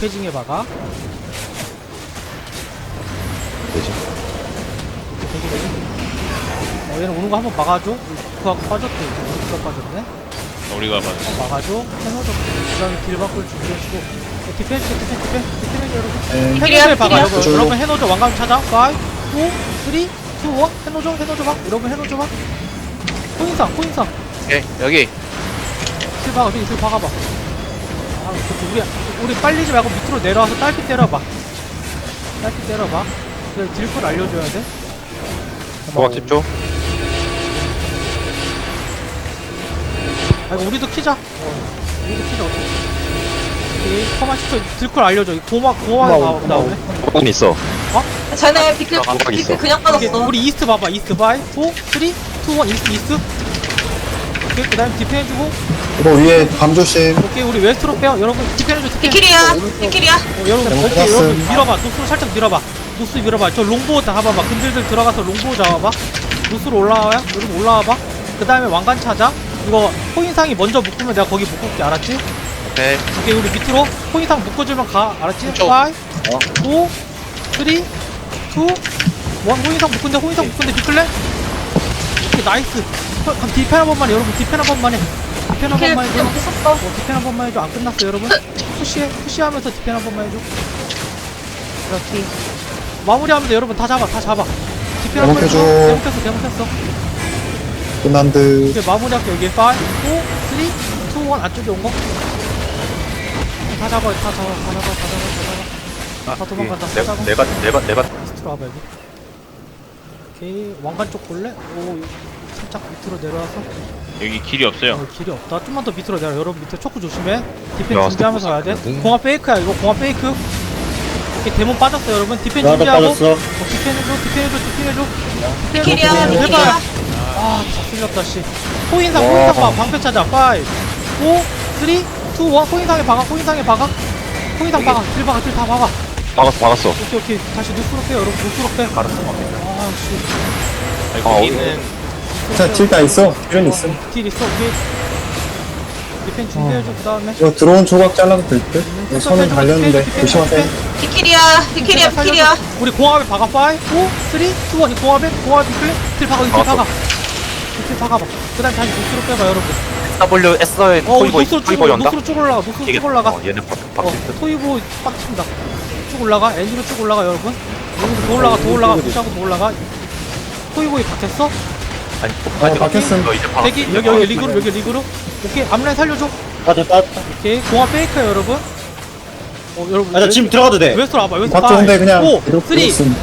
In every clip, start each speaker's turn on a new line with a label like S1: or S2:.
S1: 패징에 박아.
S2: 되지.
S1: 얘는 오는 거 한번 막아줘. 그하고 빠졌대. 이거 빠졌네.
S3: 우리가 봐도
S1: 막아줘. 해노저. 그 다음에 딜 바꿀 준비해주고. 디펜스, 여러분.
S4: 네.
S1: 해노저에 박아.
S4: 딜이야.
S1: 여러분 해노저 왕관 찾아. 5, 4, 3, 2, 1. 해노저 박. 여러분 해노저 박. 코인상.
S2: 오케이, 여기.
S1: 딜 박아. 딜 박아봐. 우리 빨리지 말고 밑으로 내려와서 딸피 때려봐. 그래, 딜풀 알려줘야 돼.
S2: 도박 10초.
S1: 아이고, 우리도 키자. 우리도 키자, 어떻게. 오케이, 커만 10초. 딜풀 알려줘. 고마워 나오네.
S2: 도박은 있어.
S5: 쟤네 비클
S2: 도박 있어.
S5: 그냥
S1: 오케이,
S5: 빠졌어.
S1: 우리 이스트 봐봐. 이스트 바이. 4, 3, 2, 1. 이스트. 오케이, 그 다음에 디펜 해주고.
S4: 이거 위에 밤 조심.
S1: 오케이, 우리 웨스트로 빼요. 여러분, 디펜 해줘, 디펜.
S5: 비킬이야.
S1: 여러분,
S4: 잘못
S1: 오케이,
S4: 봤음.
S1: 여러분, 밀어봐. 노스로 살짝 밀어봐. 노스 밀어봐. 저 롱보 잡아봐. 근들들 들어가서 롱보 잡아봐. 노스로 올라와요. 여러분, 올라와봐. 그 다음에 왕관 찾아. 이거 코인상이 먼저 묶으면 내가 거기 묶을게. 알았지?
S2: 오케이.
S1: 오케이, 우리 밑으로 코인상 묶어주면 가. 알았지? 5,
S2: 그쵸.
S1: 4, 3, 2, 1. 호인상 묶은데 비클래? 오케이, 나이스. 그럼 디펜 한 번만 해. 여러분, 디펜 한 번만 해. 디펜 한 번만 해줘.
S5: 못했어.
S1: 디펜 한 번만 해줘. 안 끝났어, 여러분. 푸시하면서 디펜 한 번만 해줘. 그렇지. 마무리하면 돼, 여러분. 다 잡아. 디펜 한 번 해줘.
S4: 대목해줘.
S1: 대목했어.
S4: 끝난 듯.
S1: 이제 마무리할게. 여기 5, 4, 3, 2, 1. 안쪽에 온 거. 다 잡아. 다 도망간다. 다 잡아.
S2: 내가.
S1: 이스트로 와봐, 여기. 오케이. 왕관 쪽 볼래? 오, 살짝 밑으로 내려와서.
S3: 여기 길이 없어요.
S1: 길이 없다. 좀만 더 밑으로 내려. 여러분 밑에 초크 조심해. 디펜
S2: 야,
S1: 준비하면서 가야 돼.
S2: 스톱
S1: 공합 페이크야. 이거 공합 페이크. 이렇게 데몬 빠졌어, 여러분. 디펜
S4: 나도
S1: 준비하고.
S4: 빠졌어.
S1: 디펜해줘.
S5: 비킬이야.
S1: 해봐. 아, 다 쓸렸다, 씨. 호인상 봐. 방패 찾아. 5, 4, 3, 2, 1. 호인상에 박아. 호인상 박아. 딜 다 박아.
S2: 박았어.
S1: 오케이. 다시 누스로 빼, 여러분. 누스로 빼. 아, 씨.
S3: 여기는
S4: 자, 틸다 있어. 필은 있음.
S1: 딜 있어, 오케이. 디펜 준비해줘, 그 다음에.
S4: 이거 들어온 조각 잘라도 될 듯? 이거 선은 달렸는데. 조심하세요.
S5: 비킬이야.
S1: 우리 공합에 박아. 5, 4, 3, 2, 1. 이 공합에 비클레. 딜 박아. 딜 박아봐. 그 다음에 다시 노스로 빼봐, 여러분.
S2: WS의
S1: 노스로 쭉 올라가.
S2: 얘는
S1: 토이보 빡친다. 쭉 올라가. 엔진으로 쭉 올라가, 여러분. 여기서 더 올라가. 푸시하고 더 올라가. 토이보이 박혔어?
S2: 아니,
S4: 박혔음.
S2: 너 이제
S1: 대기. 여기 리그로. 오케이, 앞라인 살려줘.
S6: 됐다.
S1: 오케이, 공합 페이크야, 여러분. 여러분.
S6: 나 지금 들어가도 돼.
S1: 웨스트로 와봐. 웨스트
S4: 박죠, 근데 그냥
S1: 5, 3, 2, 1.
S4: 있음.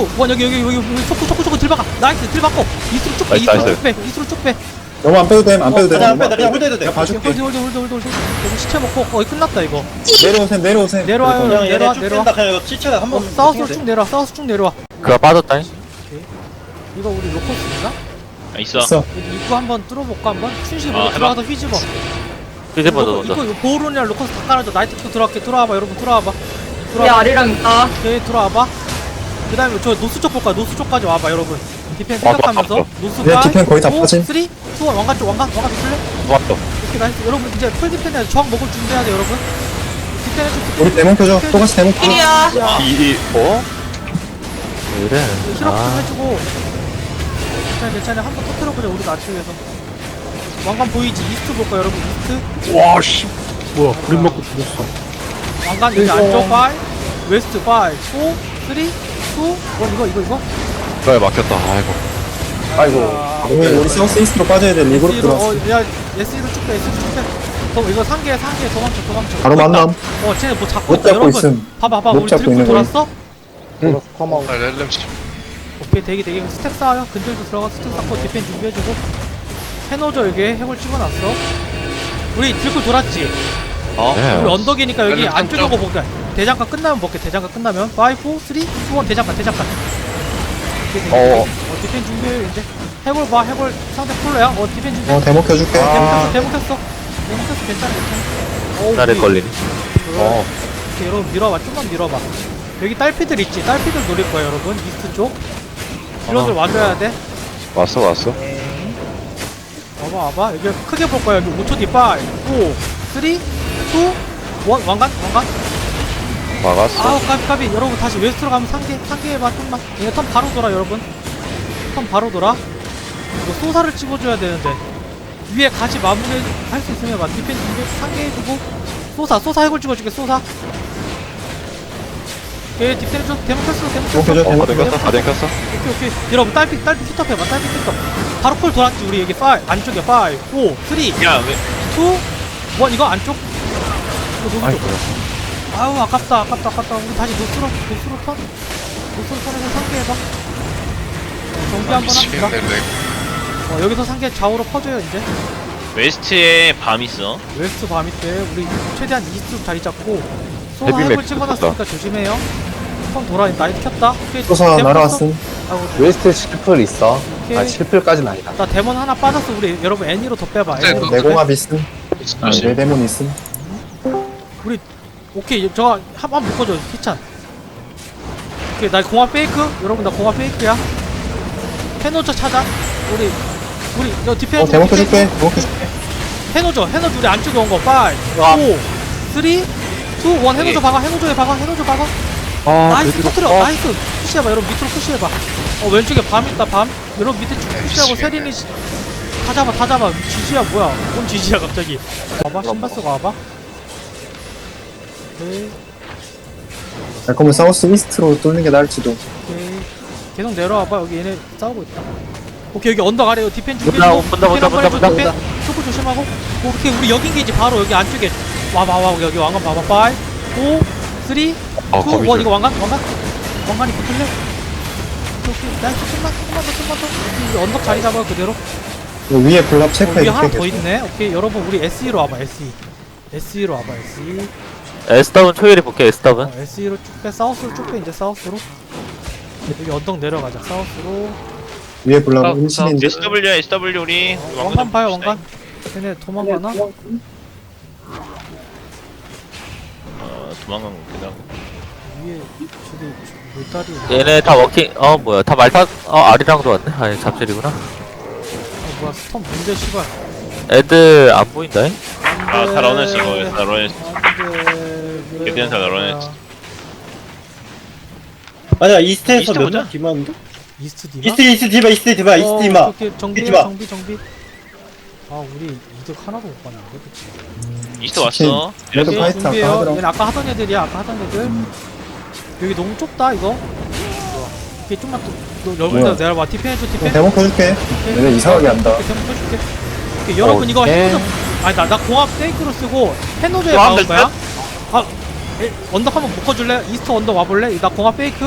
S1: 여기 초크 딜 박아. 나이스, 딜 박고. 이스트로 쭉 빼. 이스트로 쭉 빼.
S4: 너무 안 빼도 돼. 안 빼도 돼.
S6: 그냥 빼, 그냥 홀드해도 돼.
S4: 내가 봐줄게.
S1: 홀드. 여기 시체 먹고 거의 끝났다, 이거.
S4: 내려오세요.
S1: 내려와요.
S6: 그냥 얘네 쭉
S1: 내려와.
S6: 뺀다. 그냥 이거 치체가 한번
S1: 사우스로 쭉 내려와.
S2: 그가 빠졌다니?
S1: 이거 우리 로커스인가?
S3: 있어.
S4: 있어.
S1: 여기 입구 한번 뚫어볼까, 한번? 춘식
S3: 해봐.
S1: 들어가서 휘집어. 이거 보호론이랑 로커스 다 깔아줘. 나이트도 들어와봐, 여러분. 들어와봐.
S5: 우리 아리랑 있다.
S1: 오케이, 들어와봐. 그 다음에 저 노스 쪽 볼까요? 노스 쪽까지 와봐, 여러분. 디펜
S2: 왔어.
S1: 생각하면서. 노스가.
S4: 네, 디펜 거의 다 빠짐.
S1: 3, 2, 1. 왕관 비틀래?
S2: 왔어.
S1: 오케이, 나이스. 여러분, 이제 풀 디펜 해야 돼. 저항 먹을 준비해야 돼, 여러분. 디펜 해줘.
S4: 우리 데몬 켜줘. 똑같이 데몬 켜.
S5: 비킬이야.
S2: 그래.
S1: 힐업 좀 해주고. 괜찮아. 한번 터뜨려보자, 우리 나치에서. 왕관 보이지? 이스트 볼까, 여러분? 이스트.
S2: 와, 씨.
S4: 뭐야, 불 먹고 죽었어.
S1: 왕관 여기 안쪽 5, 웨스트 5, 4, 3, 2, 1. 이거.
S2: 그래, 막혔다. 아이고.
S1: 아이고.
S4: 우리 사우스 이스트로 빠져야 돼. 리그로 들어왔어.
S1: 야, SE로 쭉 빼. 이거 상계 도망쳐.
S4: 바로 만남.
S1: 쟤네 뭐 잡고
S4: 못
S1: 있다,
S4: 잡고
S1: 여러분.
S4: 있음.
S1: 봐봐,
S4: 못
S1: 우리
S4: 잡고
S1: 드리프
S4: 있는 거임.
S1: 돌았어?
S4: 응.
S1: 오케이, 대기. 스택 쌓아요. 근절도 들어가 스택 쌓고 디펜 준비해주고. 해노저 여기 해골 찍어놨어. 우리 들고 돌았지?
S2: 네.
S1: 우리 언덕이니까 여기 안쪽에 거 볼게. 대장간 끝나면 볼게. 대장간 끝나면 5, 4, 3, 2, 1. 대장간. 디펜 준비해. 이제 해골 봐. 해골 상대 폴로야. 디펜 준비해.
S4: 데몬 켜줄게.
S1: 데몬켰어. 괜찮아.
S2: 나를 걸리니?
S1: 오케이, 여러분 밀어봐. 좀만 밀어봐. 여기 딸피들 있지? 딸피들 노릴 거야, 여러분. 이스트 쪽. 딜러들 와줘야 돼.
S2: 왔어.
S1: 와봐. 여기 크게 볼 거야. 여기 5초 뒤 5, 4, 3, 2, 1. 왕관.
S2: 막았어.
S1: 아우 까비 여러분 다시 웨스트로 가면 상계 해봐 좀만. 얘네 턴 바로 돌아 여러분. 턴 바로 돌아. 이거 소사를 찍어줘야 되는데 위에 같이 마무리 할 수 있으면 막 디펜스 상계 해주고 소사 해골 찍어줄게 소사. 오케이 디펜스 좀 데모 켰어 데모 켰어.
S4: 오케이,
S2: 다 댕겼어, 다 댕겼어.
S1: 오케이 여러분 딸피 kit업 해봐 딸피 kit업. 바로 콜 돌았지 우리 여기 5 안쪽에 5 4 3 2 1
S3: 야왜
S1: 이거 안쪽. 이거 너무 좋아. 아우 아깝다 우리 다시 노스로 턴에서 상계해봐. 정비 한번 합시다. 여기서 상계 좌우로 퍼져요 이제.
S3: 웨스트에 밤 있어.
S1: 웨스트 밤이 때 우리 최대한 이스트 자리 잡고 소사
S2: 헤비
S1: 해볼
S2: 맥
S1: 찍어놨으니까 조심해요. 턴 돌아 나이트 켰다. 오케이,
S4: 소사
S1: 데몬
S4: 날아왔음.
S1: 켰어. 아이고,
S7: 웨스트 7풀 있어.
S1: 오케이.
S7: 아 7풀까지는 아니다.
S1: 나 데몬 하나 빠졌어. 우리 여러분 애니로 더 빼봐. 애니로 더 빼.
S4: 내공합 있음. 내 데몬 있음.
S1: 우리 오케이 저거 한번 묶어줘 희찬. 오케이 나 공합 페이크 여러분 나 공합 페이크야. 해노저 찾아. 우리 너 디펜스
S4: 데몬 켜줄게. 데몬 켜줄게.
S1: 해노저 우리 안쪽에 온 거 5 4 3 2 1 해노저 박아 해노저 박아. 나이스 터트려 나이스. 푸시해봐 여러분 밑으로 푸시해봐. 왼쪽에 밤 있다 밤. 여러분 밑에 쭉 푸시하고 세린이 다 잡아. 지지야 뭐야 뭔 지지야 갑자기. 와봐 신발 쓰고 와봐. 오케이
S4: 그러면 사우스 이스트로 뚫는 게 나을지도.
S1: 오케이 계속 내려와봐. 여기 얘네 싸우고 있다. 오케이 여기 언덕 아래 디펜
S7: 본다.
S1: 초코 조심하고. 오케이 우리 여기 게이지 바로 여기 안쪽에 와봐 여기 왕관 봐봐 5 4 3 2 1
S2: 거미줄.
S1: 이거 왕관이 붙을래? 오케이 나이스 좀만 더 여기 언덕 자리 잡아요 그대로.
S4: 위에 블랍
S1: 위에
S4: 체크해줄게.
S1: 하나 더
S4: 계속.
S1: 있네. 오케이 여러분 우리 SE로 와봐 SE로 와봐 SE.
S7: S더블 초일이 볼게. S더블.
S1: SE로 쭉빼 사우스로 쭉빼 이제 사우스로. 여기 언덕 내려가자 사우스로.
S4: 위에 블랍 은신인데.
S3: SW 우리
S1: 왕관 봐요 왕관. 쟤네 도망가나?
S3: 도망간 거 같기도 하고.
S1: 위에 저기 물다리.
S7: 얘네 다 워킹. 뭐야 다 말타. 아리랑도 왔네. 아니 잡질이구나.
S1: 뭐야 스톰 문제 씨발.
S7: 애들 안 보인다잉.
S3: 다 러냈어 이거 다 러냈어.
S1: 안돼.
S3: 개변사 다 러냈어.
S6: 아니야 이스트에서
S3: 이스트
S6: 몇
S3: 보자.
S6: 명 디마인데?
S1: 이스트 디마?
S6: 이스트 디마
S1: 오케이 정비
S6: 디마.
S1: 정비. 아 우리 이득 하나도 못 봤는데 그치?
S3: 이스트 왔어.
S4: 그래도
S1: 오케이,
S4: 파이트 아까
S1: 준비해요.
S4: 하더라고.
S1: 얘는 아까 하던 애들이야 아까 하던 애들. 여기 너무 좁다 이거. 오케이 좀만 더 넓은
S4: 뭐야?
S1: 데 내려봐. 디펜 해줘 디펜.
S4: 데몬 켜줄게.
S1: 오케이.
S4: 얘네 이상하게 한다.
S1: 오케이, 데몬 켜줄게. 오케이, 여러분 이거 해노저 아니 나 공합 페이크로 쓰고 해노저에
S3: 또
S1: 나올
S3: 하면
S1: 거야? 언덕 한번 묶어줄래? 이스트 언덕 와볼래? 나 공합 페이크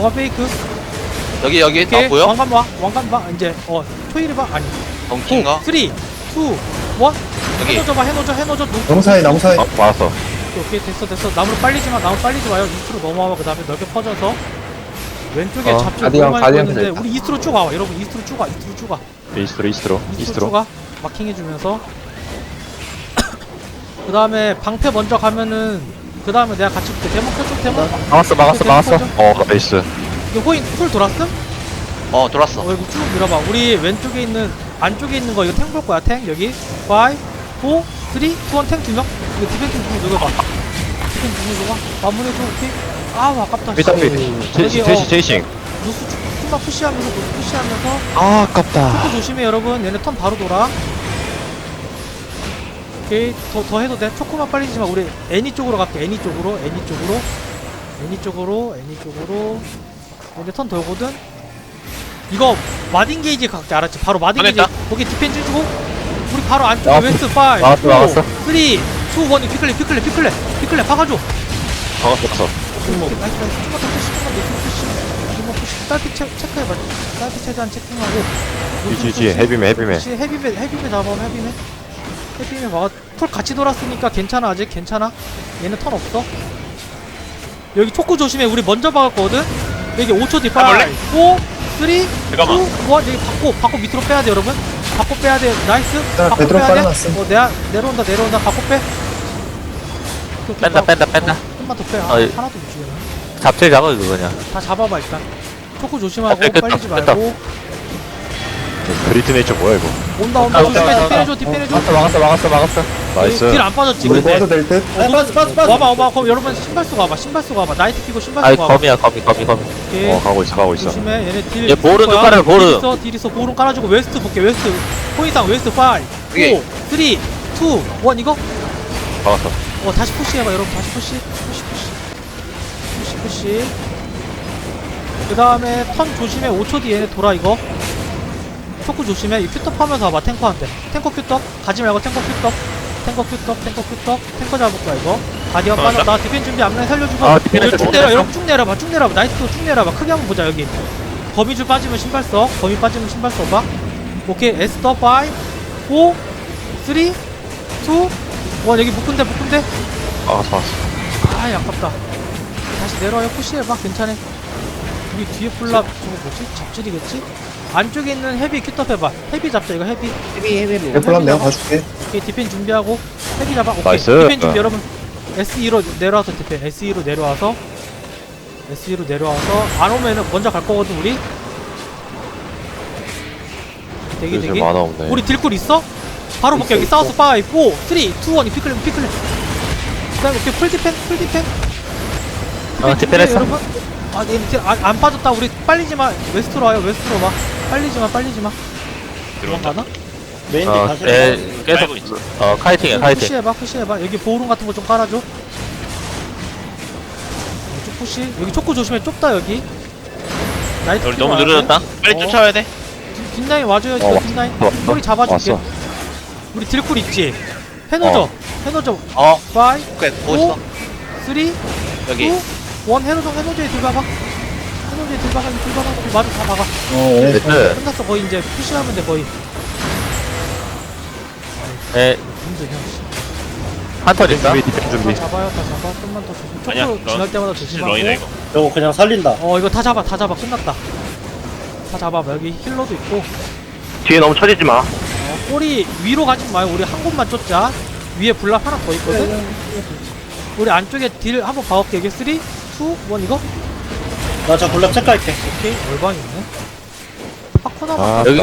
S8: 여기
S1: 오케이
S8: 아 보여?
S1: 왕관 봐 이제 토일이 봐 아니
S8: 덩킹가?
S1: 3 2 1
S8: 여기
S1: 해노저
S4: 나무 사이
S2: 막았어.
S1: 오케이 됐어 나무 빨리지 마요 이스트로 넘어와봐. 그 다음에 넓게 퍼져서 왼쪽에 잡지
S7: 가디언,
S1: 너무 많이
S7: 가디언
S1: 보이는데
S7: 됐다.
S1: 우리 이스트로 쭉 와봐 여러분 이스트로 쭉 와 이스트로 가 마킹해주면서 그 다음에 방패 먼저 가면은 그 다음에 내가 같이 볼게. 데몬 켜줘 데몬.
S7: 막았어.
S2: 나이스.
S1: 이거 호인 풀 돌았음?
S8: 돌았어.
S1: 이거 쭉 밀어봐. 우리 왼쪽에 있는 안쪽에 있는 거 이거 탱 볼 거야 탱 여기 5 4 3 2 1 탱 2명. 이거 디펜스 좀 누가 봐. 디펜스 좀 누가 마무리해줘. 오케이. 아우 아깝다.
S2: 제이싱.
S1: 누수 좀만 푸시하면서
S2: 아깝다.
S1: 초코 조심해 여러분. 얘네 턴 바로 돌아. 오케이 더 해도 돼. 초코만 빨리 지마. 우리 애니 쪽으로 갈게. 애니 쪽으로 얘네 턴 돌거든. 이거 마딘 게이지 각자 알았지? 바로 마딘 게이지
S3: 꺼냈다.
S1: 거기 디펜 해주고 우리 바로 안쪽에
S7: 막았어.
S1: 웨스트 5
S7: 막았어.
S1: 3 2 1 피클레 박아줘.
S2: 막았어.
S1: 나이스 좀만 더 푸시 딸피 체크해봐. 딸피 최대한 체킹하고
S2: GG 헤비맨.
S1: 헤비맨 잡아. 헤비맨 막아. 풀 같이 돌았으니까 괜찮아. 아직 괜찮아. 얘는 턴 없어. 여기 초코 조심해. 우리 먼저 박았거든. 여기 5초 뒤 5 4
S3: 해볼래?
S1: 3 2 1
S3: 잠깐만.
S1: 여기 바꿔 밑으로 빼야 돼 여러분. 바꿔 빼야 돼. 나이스.
S4: 자,
S1: 바꿔
S4: 베드로
S1: 빼야 돼.
S4: 빨아놨음.
S1: 내가 내려온다. 바꿔 빼.
S7: 뺀다.
S1: 좀만 더 빼.
S7: 어이.
S1: 하나도 못 죽여놔.
S7: 잡질 잡아 이거 그냥.
S1: 다 잡아봐 일단. 초코 조심하고
S7: 뺐다,
S1: 빨리지
S7: 뺐다.
S1: 말고.
S2: 그리트 네이처 뭐야 이거?
S1: 온다. 조심해. 디펜해줘.
S7: 막았어.
S2: 나이스.
S1: 딜 안 빠졌지
S4: 우리
S1: 근데
S4: 모아도 될 듯?
S6: 아 빠져
S1: 와봐 그럼 여러분 신발 쓰고 와봐 나이트 끼고 신발
S7: 아이
S1: 쓰고 와봐
S7: 거미야 거미.
S1: 오케이
S2: 가고 있어.
S1: 조심해 얘네 딜
S7: 얘 보르는
S1: 거야.
S7: 깔아요, 보르.
S1: 딜 있어 보름 깔아주고 웨스트 볼게 웨스트 포인상 웨스트 5 4 3 2 1 이거
S2: 박았어.
S1: 다시 푸시해봐 여러분 다시 푸시 그 다음에 턴 조심해 5초 뒤에 얘네 돌아 이거 초크 조심해 이 큐떡 하면서 와봐 탱커한테 탱커 큐떡 가지 말고 탱커 큐떡 잡을 거야 이거 가디언 빠졌다 디펜 준비 앞라인 살려주고
S7: 아, 디펜
S1: 여기 쭉
S7: 좀
S1: 내려 여러분 쭉 내려봐 나이트도 쭉 내려봐 크게 한번 보자 여기 거미줄 빠지면 신발 써 거미 빠지면 신발 써봐 오케이 에스더 5 4 3 2 1 여기 묶은데
S2: 박았어.
S1: 아이 아깝다 다시 내려와요 푸시해봐 괜찮아 우리 뒤에 폴라 저거 뭐지? 잡질이겠지? 안쪽에 있는 헤비 큐top 해봐 헤비 잡자 이거 헤비
S4: 레플람 내가 봐줄게.
S1: 오케이 디펜 준비하고 헤비 잡아 오케이
S2: 나이스.
S1: 디펜 준비 여러분 SE로 내려와서 디펜 SE로 내려와서 안 오면은 먼저 갈 거거든 우리 대기
S2: 요즘 만화 없네.
S1: 우리 딜쿨 있어? 바로 볼게 여기 사우스 5 4 3 2 1 피클레 그다음에 오케이 풀 디펜
S7: 디펜했어.
S1: 여러분 안 빠졌다 우리 빨리지마 웨스트로 와요 웨스트로 와 빨리지마
S3: 들어온다.
S1: 가나?
S6: 메인 딜 다시
S7: 계속
S3: 깔고 있어.
S7: 카이팅이야 카이팅.
S1: 푸시해봐 여기 보호룸 같은 거 좀 깔아줘 이쪽 푸시 여기 초코 조심해 좁다 여기 나이트
S3: 우리
S1: 키로
S3: 너무
S1: 와야 돼.
S3: 느려졌다. 빨리 쫓아와야 돼.
S1: 뒷라인 와줘요
S2: 어,
S1: 뒷라인
S2: 왔어.
S1: 꼬리 잡아줄게
S2: 왔어.
S1: 우리 딜쿨 있지? 해놓죠 5
S8: 오케이 보고 있어
S1: 3 2
S8: 여기
S1: 1 해노저에 들박아 마주 다 박아
S4: 얘네
S7: 네.
S1: 끝났어 거의 이제 푸시하면 돼 거의
S7: 에
S1: 힘드냐
S7: 한턴 있어.
S2: 디펜 준비.
S1: 다 잡아요 좀만 더 조심
S3: 아니야,
S1: 초코 지날 때마다
S3: 런이다
S1: 조심하고
S3: 이거.
S6: 저거 그냥 살린다
S1: 이거 다 잡아 끝났다 다 잡아 여기 힐러도 있고
S7: 뒤에 너무 쳐지지 마.
S1: 꼬리 위로 가지 마요 우리 한 곳만 쫓자 위에 블랍 하나 더 있거든 우리 안쪽에 딜 한번 봐올게 여기 3 2 1 이거
S6: 나 저 블랍 체크할게
S1: 오케이 얼방 있네 파코나만
S2: 아,
S7: 여기-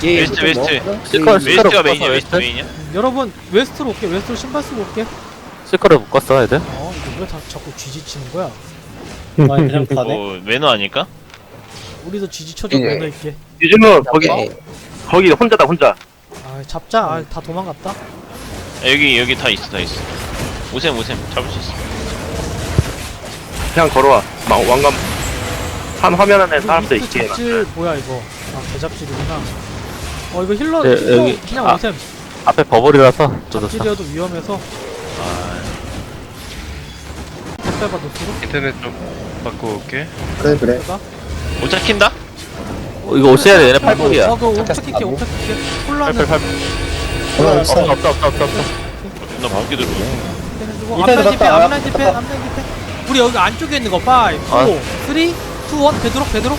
S3: 웨스트가 메인이야. 웨스트 메인이야.
S1: 여러분 웨스트로 올게 웨스트로 신발 쓰고 올게
S7: 실커를 묶었어 애들.
S1: 이거 왜 다 자꾸 쥐지치는 거야
S6: 아 그냥 가네
S3: 매너 아닐까?
S1: 우리도 쥐지쳐줘 매너 있게
S7: 요즘은 거기 혼자다 혼자.
S1: 잡자 다 도망갔다
S3: 여기 다 있어. 오셈 잡을 수 있어.
S7: 그냥 걸어와. 왕관 한 화면 안에 사람들
S1: 그
S7: 있게.
S1: 잡질 뭐야 이거 개잡질이구나 이거 힐러
S7: 네,
S1: 힐러
S7: 여기-
S1: 그냥
S7: 아.
S1: 오셈
S7: 앞에 버블이라서 좀
S1: 잡질이어도 위험해서 빼봐 노트로
S3: 인터넷 좀 바꾸고 올게.
S4: 그래
S1: 빼봐
S3: 못 잡힌다?
S7: 이거 오셔야 돼. 얘네 팔불이야.
S1: 그거 옵착킬게 폴라는
S4: 하나 있어.
S7: 없어.
S3: 나 무기 들어.
S6: 밑에
S1: 앞라인 디펜
S6: 들어갔다.
S1: 앞라인 디펜 우리 여기 안쪽에 있는 거 5 4 3 2 1 베드록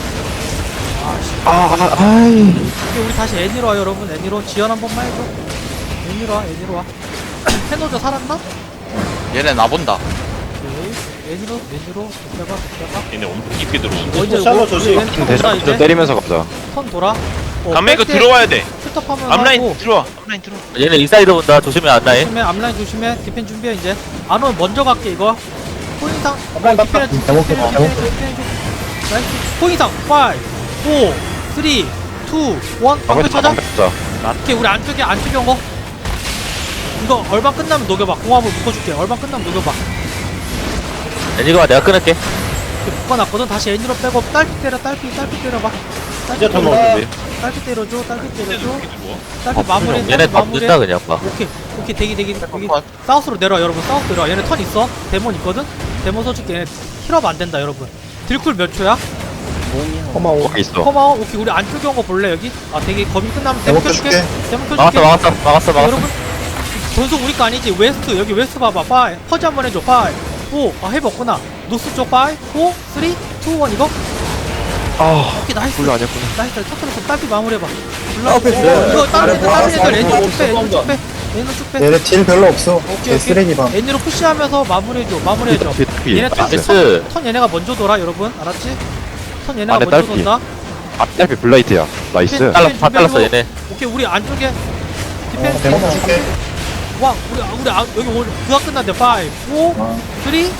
S1: 오케이, 우리 다시 애니로 와 여러분 애니로 지연 한 번만 해줘 애니로 와 해노저 살았나?
S8: 얘네 나본다
S1: 오케이 애니로 빼봐
S3: 얘네 엄청 깊게 들어오네.
S1: 이제
S6: 샬롯 조심.
S1: 턴 돌아
S2: 대장
S1: 이제
S2: 때리면서 가자.
S1: 턴 돌아
S3: 감매 이거 들어와야 돼.
S1: 슈터파면
S3: 앞라인 들어와.
S7: 얘네 인사이드 온다. 조심해 안 나해.
S1: 조심해 앞라인 조심해 디펜 준비해 이제 안 오면 먼저 갈게 이거 포인상
S6: 앞라인 맞다.
S4: 잘못
S1: 디펜
S4: 잘못.
S1: 나이스 포인상 5 4 3 2 1 방패 찾아 오케이 우리 안쪽에 온 거 이거 얼방 끝나면 녹여봐 공합을 묶어줄게 얼방 끝나면 녹여봐
S7: 애니가 내가 끊을게.
S1: 이렇게 묶어놨거든 다시 애니로 빼고 딸피 때려봐
S6: 이제 더
S1: 딸피
S6: 먹어
S1: 딸피 때려줘
S3: 근데
S1: 딸피
S3: 누워.
S1: 마무리
S7: 얘네
S1: 딸피
S7: 밥
S1: 마무리
S7: 든다 그냥 막.
S1: 오케이 대기 여기 사우스로 내려와 여러분 사우스 내려와 얘네 턴 있어 데몬 있거든 데몬 써줄게 얘네 힐업 안된다 여러분 딜쿨 몇 초야?
S4: 고마워.
S2: 거기 있어.
S1: 고마워 오케이 우리 안쪽에 온 거 볼래 여기? 되게 거미 끝나면 데몬 켜줄게 데몬 켜줄게
S7: 막았어.
S1: 여러분 전속 우리 거 아니지 웨스트 여기 웨스트 봐봐 5 퍼즈 한번 해줘 5 4 헤비 없구나 노스 쪽 5 4 3 2 1 이거? 오케이 나이스
S2: 불러 아니었구나.
S1: 나이스 터트려서 딸피 마무리해봐
S4: 앞에
S1: 이거 다른 애들 애니로 쭉빼
S4: 얘네 딜 별로 없어.
S1: 오케이
S4: 개 쓰레기 방.
S1: 애니로 푸시하면서 마무리해줘 얘네
S2: 나이스.
S1: 턴 얘네가 먼저 돌아 여러분 알았지? 턴 얘네가
S2: 안에
S1: 먼저
S2: 딸피.
S1: 돈다
S2: 앞달피 블라이트야. 나이스.
S1: 디펜
S7: 잘랐어
S1: 준비하고.
S7: 얘네.
S1: 오케이 우리 안쪽에 디펜스.
S4: 대박 줄게.
S1: 와, 여기 오늘 그가 끝났대. 5, 4, 3, 2, 1.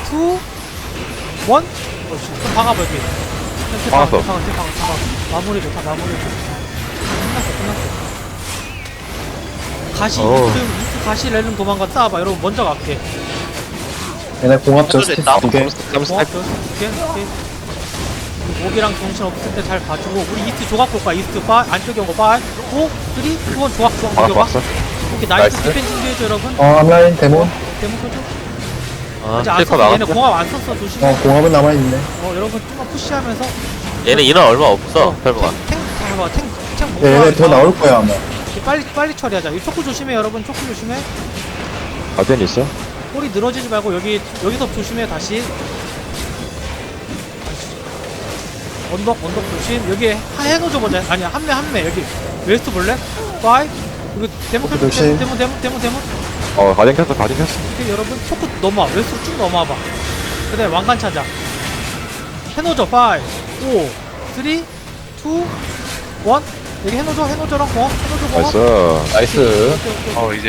S1: 그럼 박아봐, 여기.
S2: 박았어.
S1: 박아. 마무리 좋다, 마무리 좋다. 끝났어. 가시, 이트 가시 렐름 도망가 싸봐. 여러분, 먼저 갈게.
S4: 얘네 공합 저스트
S8: 됐다.
S4: 2개.
S1: 오케이. 목이랑 정신 없을 때 잘 봐주고, 우리 이스트 조각 볼 거야. 이스트 5, 안쪽에 온 거 5, 4, 3, 2, 1, 조각
S2: 박았어,
S1: 녹여봐.
S2: 박았어.
S1: 오케이, 나이스
S2: 나이스.
S1: 디펜 준비해줘, 여러분.
S4: 앞라인 데몬.
S1: 데모 켜줘.
S7: 아
S1: 아직 안
S7: 킬커
S1: 썼어. 얘네
S7: 나갔어.
S1: 공합 안 썼어. 조심해.
S4: 공합은 남아있네.
S1: 여러분 좀만 푸시하면서
S7: 얘네 인원 얼마 없어 설마.
S1: 탱
S4: 얘네 더 나올 거야 아마.
S1: 빨리 처리하자. 이 초크 조심해, 여러분. 초크 조심해.
S2: 가디언 있어?
S1: 꼬리 늘어지지 말고 여기서 조심해. 다시 언덕 조심. 여기 해노져 보자. 아니야, 한매 여기 웨스트 볼래? 5 이거 데모 켜줘.
S4: 조심.
S1: 데모.
S2: 가디언 켰어, 가디언 켰어.
S1: 오케이, 여러분 초크 넘어와. 웨스트 쭉 넘어와봐. 그다음에 왕관 찾아. 해노져. 5 4 3 2 1 여기 해노져랑 공항. 해노져 공항.
S2: 나이스.
S8: 이제